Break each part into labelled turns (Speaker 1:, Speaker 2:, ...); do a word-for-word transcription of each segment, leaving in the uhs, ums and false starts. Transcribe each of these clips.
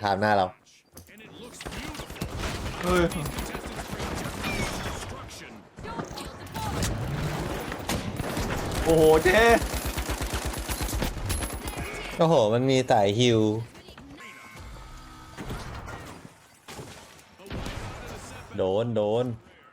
Speaker 1: ถามหน้าเรา
Speaker 2: เฮ้ยโอ้โหเจ๊
Speaker 1: โอ้โหมันมีสายฮิวโดนโดน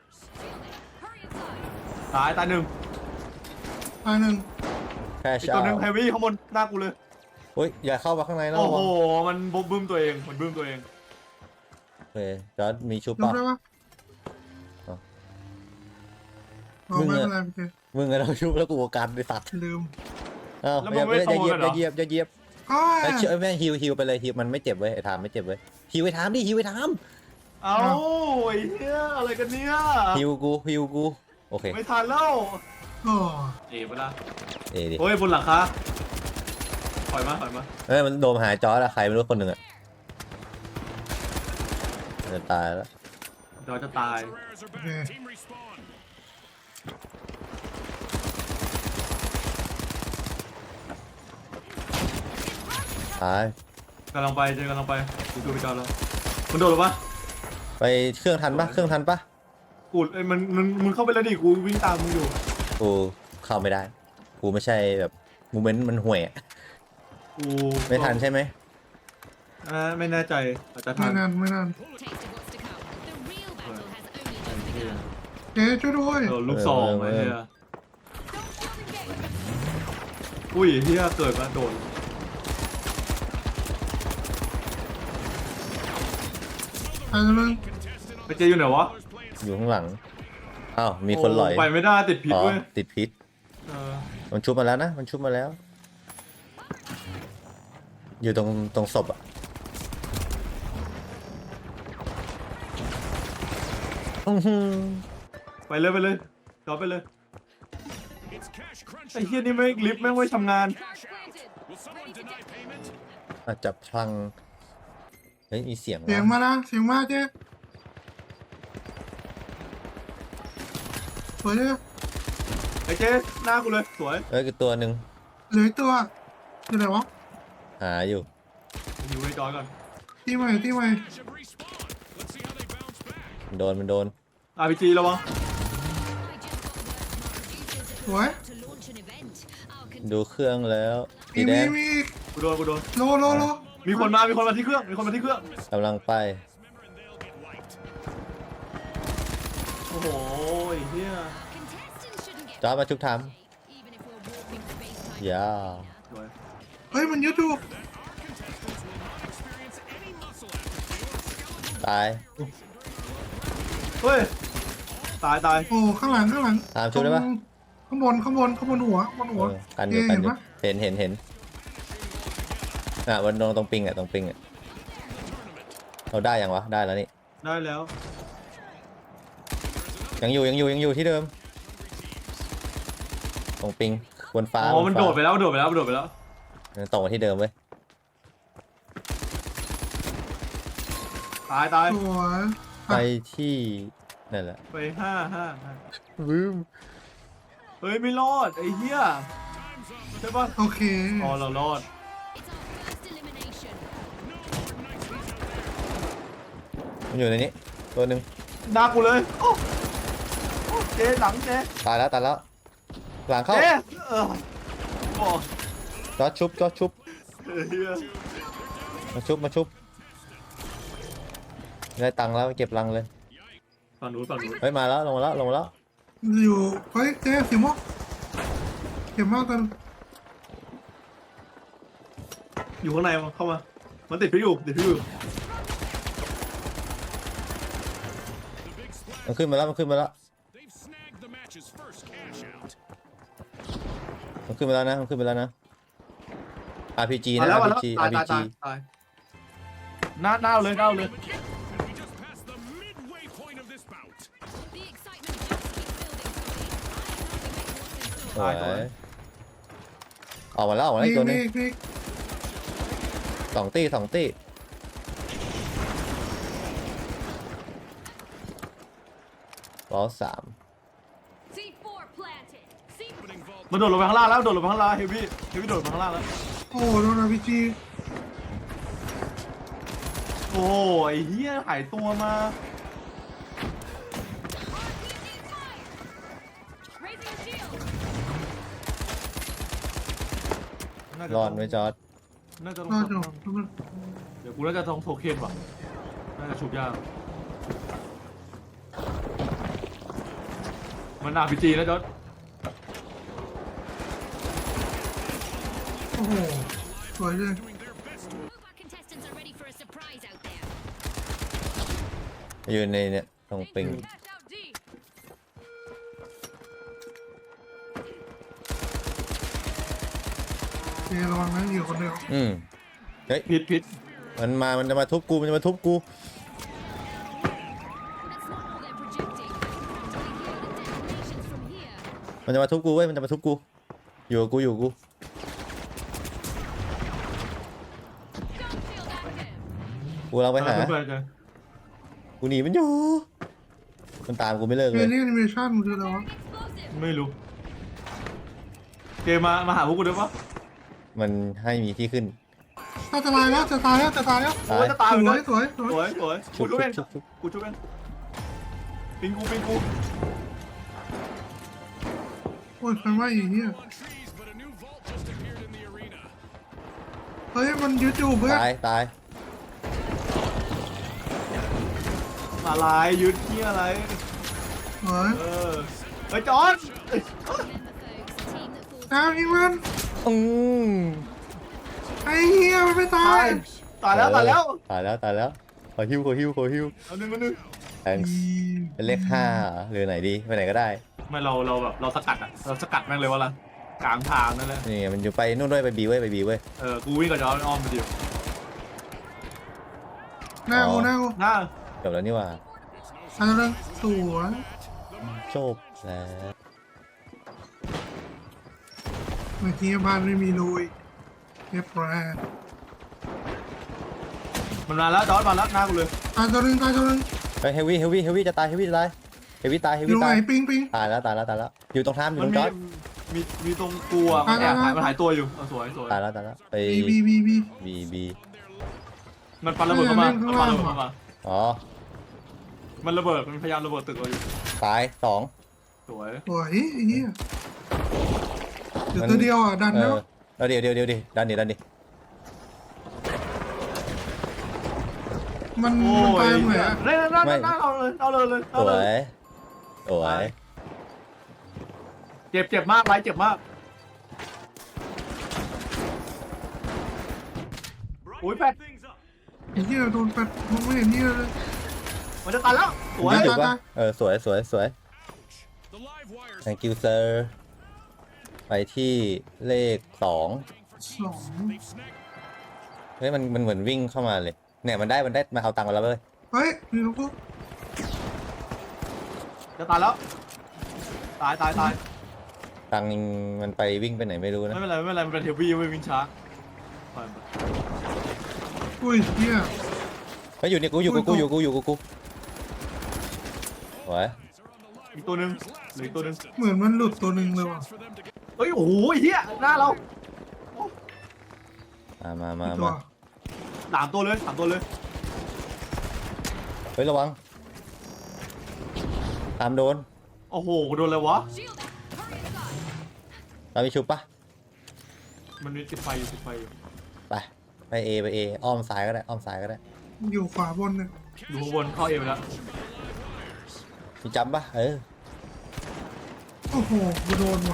Speaker 2: ตายตายหนึ่ง
Speaker 3: ตายหนึ่ง
Speaker 1: แค่
Speaker 2: อีก
Speaker 1: ชา
Speaker 2: ตัวหนึ่งไฮวี่ข้างบนหน้ากูเลย
Speaker 1: โอ้ยอย่าเข้ามาข้างในนะ
Speaker 2: โอ้
Speaker 1: ระ
Speaker 2: โห
Speaker 1: วัง
Speaker 2: มันบึ้มตัวเองมันบึ้มตัวเอง
Speaker 1: โอเคจอร์ดมีชุบ
Speaker 3: ลบ
Speaker 1: ปะ
Speaker 3: ได้ปะ
Speaker 1: อ๋อ
Speaker 3: เอาไม่เป็นไรโอเค
Speaker 1: มึงอะเราชุบแล้วกูกันไปตัด
Speaker 3: ลืม
Speaker 1: เอ้าอย่าอย่าเหยียบอย่าเหยียบอย่าเหยียบ
Speaker 3: อ้า
Speaker 1: ไอ้เชื่อแม่งฮิวฮิวไปเลยฮิวมันไม่เจ็บเว้ยไอ้ทามไม่เจ็บเว้ยฮิวไอ้ทามดิฮิวไอ้ทาม
Speaker 2: เอาไอ้เหี้ยอะไรกันเนี่ย
Speaker 1: ฮิวกูฮิวกูโอเค
Speaker 2: ไม่ทันแล้ว
Speaker 3: โอ้
Speaker 2: เอ๋ปะล่ะ
Speaker 1: เอ้ดิ
Speaker 2: โอ้ยบนหลังคาถอยมาถอยมา
Speaker 1: เอ้ยมันโดนหายจอร์ดอะใครไม่รู้คนหนึ่งอะจะตายแล้ว
Speaker 2: เดี๋ยวจะตาย
Speaker 3: โอเค
Speaker 1: ตาย
Speaker 2: กำลังไปเจอกำลังไปดูดูไปจอแล้วมันโดดหรอปะ
Speaker 1: ไปเครื่องทันปะเครื่องทันปะ
Speaker 2: กูเอ้ยมันมันมึงเข้าไปแล้วดิกูวิ่งตามมึงอยู่
Speaker 1: กูเข้าไม่ได้กูไม่ใช่แบบมูเมนต์มันห่วยอะ
Speaker 2: กู
Speaker 1: ไม่ทันใช่ไหม
Speaker 2: อ่าไม่แน่ใจอาจจะทั
Speaker 3: ไม่
Speaker 2: น
Speaker 3: นานไม่นาน
Speaker 4: Taste of what's to come. The real battle has only just begun.
Speaker 3: เจ๊ช่วยด้วย
Speaker 2: โดนลูกซองไอ้เหี้ยอุ้ยเหี้ยเกิดมาโดน
Speaker 3: ตายแล้วนึง
Speaker 2: ไปเจอยู่ไหนวะ
Speaker 1: อยู่ข้างหลังอ้าวมีคนหลอย
Speaker 2: โไปไม่ได้ติดพิษ
Speaker 1: อ๋อ
Speaker 2: เว้ย
Speaker 1: ติดพิษ
Speaker 2: เออ
Speaker 1: มันชุบมาแล้วนะมันชุบมาแล้ว อยู่ตรงตรงศพอะอื้อหือ
Speaker 2: ไปเลยไปเลยจอดไปเลยไอ้เหี้ยนี่แม่งลิฟต์แม่งไม่ทำงาน
Speaker 4: Cash planted.
Speaker 1: อาจจะพลังเฮ้ยมีเสียง
Speaker 3: เสียง
Speaker 1: วะ
Speaker 3: มาละเสียงมาเจ๊สวยเลย
Speaker 2: ไอ้เจ๊หน้ากูเลยสวย
Speaker 1: เอ้ยคือตัวหนึ่ง
Speaker 3: เหลืออีกตัวอยู่ไหนวะ
Speaker 1: หาอยู่
Speaker 2: อยู่ในจอยก่อน
Speaker 3: ที่ใหม่ที่ใหม่
Speaker 1: มันโดนมันโดน
Speaker 2: อาร์พีจีระวัง
Speaker 3: สวย
Speaker 4: To launch an event. Our
Speaker 1: ดูเครื่องแล้วสี
Speaker 3: มี
Speaker 1: แด
Speaker 3: มี
Speaker 1: ง
Speaker 3: มี
Speaker 2: กูโดนกูโดน
Speaker 3: โลโลโล
Speaker 2: มีคนมามีคนมาที่เครื่องมีคนมาที่เครื่อง
Speaker 1: กำลังไป
Speaker 2: โอ้โหไอ้เหี้ย
Speaker 4: contestants shouldn't get
Speaker 1: จ้ามาชุบท
Speaker 4: even if we're walking space
Speaker 1: ำอย่า
Speaker 2: สวย
Speaker 3: เฮ้ยมันยึดอยู่
Speaker 1: ตาย
Speaker 2: เฮ้ยตายตาย
Speaker 3: โอ้ข้างหลังข้างหลัง
Speaker 1: ตามชุบได้ปะ
Speaker 3: ข้างบนข้างบนข้างบนหัวข้างบนหัว
Speaker 1: เออกันอ
Speaker 3: เจ๊
Speaker 1: ยู่กัน
Speaker 3: เห็น
Speaker 1: อยู่
Speaker 3: ปะ
Speaker 1: เห็นเห็นเห็นอ่ะวันตรงตรงปิงอ่ะตรงปิงอ่ะเราได้ยังวะได้แล้วนี่
Speaker 2: ได้แล้ว
Speaker 1: ยังอยู่ยังอยู่ยังอยู่ที่เดิมตรงปิงบนฟ้า
Speaker 2: อ๋อบ มัน
Speaker 1: ฟ้า
Speaker 2: โดดไปแล้วมันโดดไปแล้วมันโดดไปแล้ว
Speaker 1: ตรงมาที่เดิมเว้ย
Speaker 2: ตายตาย
Speaker 3: สวย
Speaker 1: ไปที่นั่นแหละ
Speaker 2: ไปห้าห้าห้า
Speaker 1: วิม
Speaker 2: เฮ้ยไม่รอดไอ้เหี้ยใช่ปะ
Speaker 3: โอเค
Speaker 2: อ๋อเรารอด
Speaker 4: it's our first elimination.
Speaker 1: มันอยู่ในนี้ตัวหนึ่ง
Speaker 2: หน้ากูเลยโอ้โอ้เจ๊หลังเจ๊
Speaker 1: ตายแล้วตายแล้วหลังเข้า
Speaker 2: เจ๊เออโอ้
Speaker 1: จอดชุบจอดชุบ
Speaker 2: เหี้ย
Speaker 1: มาชุบมาชุบได้ตังค์แล้วเก็บรังเลย
Speaker 2: ฝั่งนู้นฝั่งนู้น
Speaker 1: เฮ้ยมาแล้วลงมาแล้วลงมาแล้ว
Speaker 3: อยู่เฮ้ยเจ๊เสียงมอกเสียงมากกัน
Speaker 2: อยู่ข้างในมาเข้ามามันติดพิษอยู่ติดพิษอยู่
Speaker 1: มันขึ้นมาแล้วมันขึ้นมาแล้วมันขึ้นมาแล้วนะมันขึ้นมาแล้วนะ อาร์ พี จี
Speaker 2: มา
Speaker 1: นะ
Speaker 2: แล้วมาแล้ว
Speaker 1: อาร์ พี จี
Speaker 2: ตาย
Speaker 1: อาร์ พี
Speaker 2: ตาย
Speaker 1: จี
Speaker 2: ตายตายหน้าหน้าเลยหน้าเลย
Speaker 4: The excitement just keeps building.
Speaker 1: สวยออกมาแล้วออกมาแล้ว
Speaker 3: มี
Speaker 1: อีกตัวหนึ
Speaker 3: มี
Speaker 1: ง
Speaker 3: มี
Speaker 1: สองตีสองตีล้อสาม
Speaker 4: C four planted. C four.
Speaker 2: มันโดดลงไปข้างล่างแล้วโดดลงไปข้างล่างเฮฟวี่เฮฟวี่โดดลงไปข้างล่างแล้ว
Speaker 3: โอ้โดนอาร์พีจี
Speaker 2: โอ้ยเฮียหายตัวมา
Speaker 4: Raising a shield.
Speaker 2: น่าจะ
Speaker 1: รอดไหมจอร์ด
Speaker 2: น่าจะ
Speaker 3: ร
Speaker 2: ต้
Speaker 3: อ
Speaker 2: อง
Speaker 3: ดอยู่มัน
Speaker 2: เดี๋ยวกูน่าจะต้องโทเค็นว่ะน่าจะชุบยากมันอาร์พีจีนะจอร์ด
Speaker 3: โอ้โหสวยเลย
Speaker 4: All of our contestants are ready for a surprise out there.
Speaker 1: อยู่ในเนี่ยตรงปิง
Speaker 4: Dash out D.
Speaker 3: เจระวังนะอยู่คนเดียว
Speaker 1: อืมเฮ้ย
Speaker 2: พิษพิษ
Speaker 1: มันมามันจะมาทุบกูมันจะมาทุบกู
Speaker 4: That's not all they're projecting. Do we hear the detonations from here?
Speaker 1: มันจะมาทุบกูเว้ยมันจะมาทุบกูอยู่กับกูอยู่กับกู
Speaker 4: Don't feel active.
Speaker 1: กูเราไปหา
Speaker 2: เพื่อนๆกัน
Speaker 1: กูหนีมันอยู่มันตามกูไม่เลิก
Speaker 3: เก
Speaker 1: เลย
Speaker 3: มนี้แอนิเมชั่นมันคืออะไรวะ
Speaker 4: Explosive.
Speaker 2: ไม่รู้เกมมามาหาพวกกูได้ปะ
Speaker 1: มันให้มีที่ขึ้น
Speaker 3: ถ้าจะตายแล้วจะตายแล้วจะตายแล้ว
Speaker 1: ตา
Speaker 2: โอ้
Speaker 1: ย
Speaker 2: ยจะตาย
Speaker 3: ส
Speaker 2: เล
Speaker 3: วย
Speaker 2: ย
Speaker 3: สวยส
Speaker 2: ส
Speaker 3: วย
Speaker 2: วยสวย
Speaker 1: ชุ
Speaker 2: กู
Speaker 1: บ
Speaker 2: ช่วยเอง
Speaker 1: ชุบชุบ
Speaker 2: กูช่วยเองปิงกูปิงกู
Speaker 3: โอ้ยไฟไหม้อีกเนี่ย
Speaker 5: on trees, but a new vault just appeared in the arena.
Speaker 3: เฮ้ยมันยึดอยู่เพื่อน
Speaker 1: ตายตาย
Speaker 2: อะไรยึดที่อะไร
Speaker 3: เฮ้ย
Speaker 2: เออเฮ้ยจอนเอ้ย
Speaker 4: Remember, folks, a team that falls
Speaker 3: น้ำยิงมัน
Speaker 1: อืม
Speaker 3: ไอ้เหี้ยมันไม่ตา
Speaker 2: ตาย ยตายแล้วตายแล้ว
Speaker 1: ตายแล้วตายแล้วขอฮิวขอฮิวขอฮิว
Speaker 2: เอาหนึ่งมาหนึ่ง
Speaker 1: แองเป็นเลขห้าเหรอหรือไหนดีไปไหนก็ได้
Speaker 2: ไม่เราเราแบบเราสกัดอ่ะเราสกัดแม่งเลยวะล่ะกลางทางนั่นแหละ
Speaker 1: นี่ไงมันอยู่ไปนู่นด้วยไปบีเว้ยไปบีเว้ย
Speaker 2: เออกูวิ่งกับจอนอ้อมไปดิว
Speaker 3: หน้ากูหน้ากู
Speaker 2: หน้า
Speaker 1: จบแล้วนี่หว่า
Speaker 3: อันนั้นสวย
Speaker 1: จบแล้ว
Speaker 3: เมื่อกี้บ้านไม่มีลุยเรียบร้อย
Speaker 2: มันมาแล้วจอนมาแล้วหน้ากูเลย
Speaker 3: ตายตัวหนึงตายตัวหนึง
Speaker 1: ไปเฮฟวี่เฮฟวี่เฮฟวี่จะตายเฮฟวี่จะตายเฮฟวี่ตายเฮฟ
Speaker 3: อยู่
Speaker 1: วี่
Speaker 3: ไหน
Speaker 1: ตาย
Speaker 3: ปิงปิง
Speaker 1: ตายแล้วตายแล้วตายแล้วอยู่ตรงท่ามอยู่
Speaker 2: มั
Speaker 1: ต
Speaker 2: น
Speaker 1: รงจ
Speaker 2: มี
Speaker 1: อร์ด
Speaker 2: มีมีตรงกูอ่ะมันแอบหายมันหายตัวอยู่เออสวยสวย
Speaker 1: ตายแล้วตายแล้วไป
Speaker 3: บีบีบีบี
Speaker 1: บีบี
Speaker 2: มันปันระเบิดเข้ามา
Speaker 3: เออ
Speaker 2: มันปันระเบิดเข้ามา
Speaker 1: อ๋อ
Speaker 2: มันระเบิดมันพยายามระเบิดตึกเราอยู่
Speaker 1: ตายสอง
Speaker 2: สวย
Speaker 3: สวยไอ้เหี้ยเดี๋ยวตัวเดียวอ่ะดัน
Speaker 1: เอ
Speaker 3: แล้ว
Speaker 1: อเอาเดี๋ยวเดี๋ยวเดี๋ยวดิดันดิดันดิ
Speaker 3: มัน
Speaker 2: โอ้
Speaker 3: มันตาย
Speaker 2: ย
Speaker 3: ตรงไหนอะ
Speaker 2: เล่นหน้าหน้าเอาเลยเอาเลยเลย
Speaker 1: ส
Speaker 2: เอา
Speaker 1: ว
Speaker 2: เลย
Speaker 1: ยสวย
Speaker 2: เจ็บเจ็บมากไรเจ็บมากโอ้ยแปด
Speaker 3: ไอ้เหี้ยโดนแปดมองไม่เห็นนี่เลย
Speaker 2: มันจะตายแล้วสวย
Speaker 1: ยืดอยู่
Speaker 3: ตาย
Speaker 1: ปะ
Speaker 3: ตาย
Speaker 1: เออสวยสวยสวย
Speaker 5: The live wires
Speaker 1: thank you sir ไปที่เลขสอง
Speaker 3: สอง
Speaker 1: เฮ้ยมันมันเหมือนวิ่งเข้ามาเลยเนี่ยมันได้มันได้มาเอาตังค์มาแล้วเว้ย
Speaker 3: เฮ้ยมีลูกกู
Speaker 2: จะตายแล้วตายตายตาย
Speaker 1: ตังค์มันไปวิ่งไปไหนไม่รู้นะ
Speaker 2: ไม่เป็นไรไม่เป็นไรมันเป็นเทวีไม่วิ่งช้าไปไป
Speaker 3: อุ้ยเหี้ย
Speaker 1: เฮ้ยอยู่นี่กูอยู่กูกูอยู่กูอยู่กูกูสวย
Speaker 2: อีกตัวหนึ่งเหลืออีกตัวหนึ่ง
Speaker 3: เหมือนมันหลุดตัวหนึ่งเลยว่ะ
Speaker 5: for them to get
Speaker 2: เฮ้ยโอ้โหเฮียหน้าเรา
Speaker 1: มามามา
Speaker 3: อีกตัว
Speaker 1: มา
Speaker 2: สามตัวเลยสามตัวเลย
Speaker 1: เฮ้ยระวังตามโดน
Speaker 2: โอ้โหโดนเลยวะ
Speaker 4: shield up. Hurry inside.
Speaker 1: ตามไปชุบปะ
Speaker 2: มันมีติดไฟอยู่ติดไฟอยู่
Speaker 1: ไปไปเอไปเออ้อมซ้ายก็ได้อ้อมซ้ายก็ได้
Speaker 3: อยู่ขวาบนเนี่ย
Speaker 2: อยู่ข้างบนเข้าเอไปแล้ว
Speaker 1: มีจำปะเออ
Speaker 3: โอ้โหกูโดนว่ะ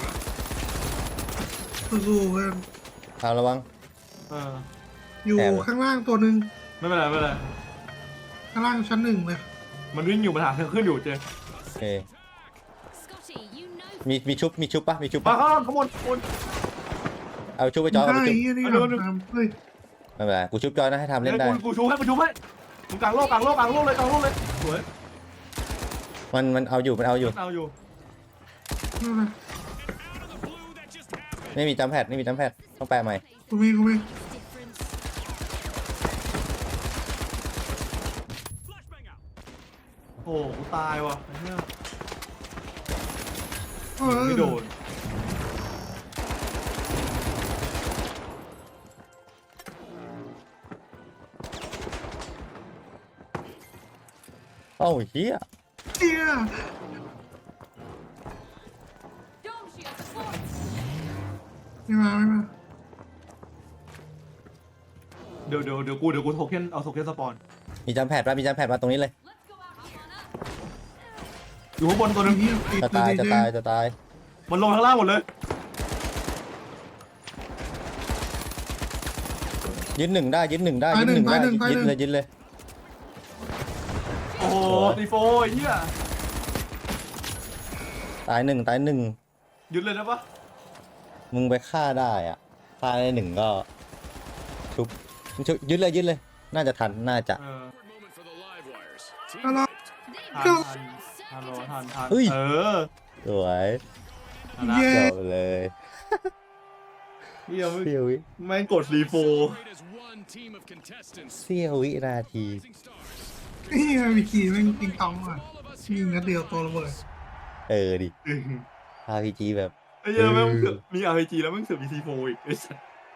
Speaker 3: สู้ๆเพื่อน
Speaker 1: ตามระวัง
Speaker 2: เออ
Speaker 3: อยู่
Speaker 1: แอบเลย
Speaker 3: ข้างล่างตัวหนึ่ง
Speaker 2: ไม่เป็นไรไม่เป็นไร
Speaker 3: ข้างล่างชั้นหนึ่งเลย
Speaker 2: มันวิ่งอยู่มันหาทางขึ้นอยู่เจ
Speaker 1: โอเค
Speaker 4: Scotty, you know
Speaker 1: มีมีชุบมีชุบปะมีชุบ
Speaker 2: มา
Speaker 1: ปะ
Speaker 2: ข้างล่างข้างบนข้างบน
Speaker 1: เอาชุบไปจอยเอา
Speaker 3: ได้
Speaker 1: ไปชุบ
Speaker 3: เหี้ยนี่
Speaker 2: เอา
Speaker 3: ห
Speaker 2: ดู
Speaker 3: ลัง
Speaker 2: ดู
Speaker 3: ตามเฮ้ย
Speaker 1: ไม่เป็นไรกูชุบจอยนะให้ทำเล่นได้
Speaker 2: กูกูชูให้กูชูให้มึงกลางโลกกลางโลกกลางโลกเลยกลางโลกเลยสวย
Speaker 1: มันมันเอาอยู่มันเอาอยู่
Speaker 2: เอาอยู่
Speaker 3: นั่นแหละ
Speaker 5: blue that just happened.
Speaker 1: ไม่มีจำแพดไม่มีจำแพดต้องแปลใหม่
Speaker 3: กูมีกูมี
Speaker 4: difference.
Speaker 5: Flashbang out.
Speaker 2: โอ้โหกูตายว่ะไอ้เหี้ย
Speaker 3: เออ
Speaker 2: ไม่โดน
Speaker 1: เอ้าเฮีย
Speaker 3: เฮีย
Speaker 4: Dome shield deployed.
Speaker 3: ไม่มาไม่มา
Speaker 2: เดี๋ยวเดี๋ยวเดี๋ยวกูเดี๋ยวกูโทเค็นเอาโทเค็นสปอน
Speaker 1: มีจำแพดป่ะมีจำแพดมาตรงนี้เลย
Speaker 4: Let's go out. Hop on up.
Speaker 2: อยู่ข้างบนตัวหนึง
Speaker 3: เฮียติด
Speaker 1: จะ
Speaker 3: เล
Speaker 1: ตาย
Speaker 3: ย
Speaker 1: จะ
Speaker 3: เจ๊
Speaker 1: ตายจะตาย
Speaker 2: มันลงข้างล่างหมดเลย
Speaker 1: ยึดหนึ่งได้ยึดหนึ่งได้ยึดหนึ่งได้ยึดเลยยึดเลย
Speaker 2: โอ้โหตีโฟไอ้เหี้ย
Speaker 1: ตายหนึ่งตายหนึ่ง
Speaker 2: ยึดเลยนะปะ
Speaker 1: มึงไปฆ่าได้อ่ะฆ่าได้หนึ่งก็ชุบชุบยึดเลยยึดเลย น่าจะทันน่าจะ
Speaker 2: เออ
Speaker 5: Awkward moment for the live wires.
Speaker 3: ฮัลโหล
Speaker 2: ทันทันทันรอทันทัน
Speaker 1: เฮ้ย
Speaker 2: เออ
Speaker 1: สวย
Speaker 2: ทันนะ
Speaker 3: เย้
Speaker 1: จบเลย
Speaker 2: เหี้ยไม่
Speaker 1: เสี้ยววิ
Speaker 2: แม่งกดรีโฟ
Speaker 5: Great as one team of contestants.
Speaker 1: เสี้ยววินาที
Speaker 5: Rising stars.
Speaker 3: เฮียวิคีแม่งติงตองอ่ะ
Speaker 5: All of us
Speaker 3: ยิง
Speaker 5: here
Speaker 3: นัดเดียวตัวระเบิด
Speaker 1: เออดิ อาร์ พี จี แบบ
Speaker 2: ไอ้เหี้ยแม่งเสือกมี อาร์ พี จี แล้วแม่งเสือกมีซีโฟอีกไอ้สัส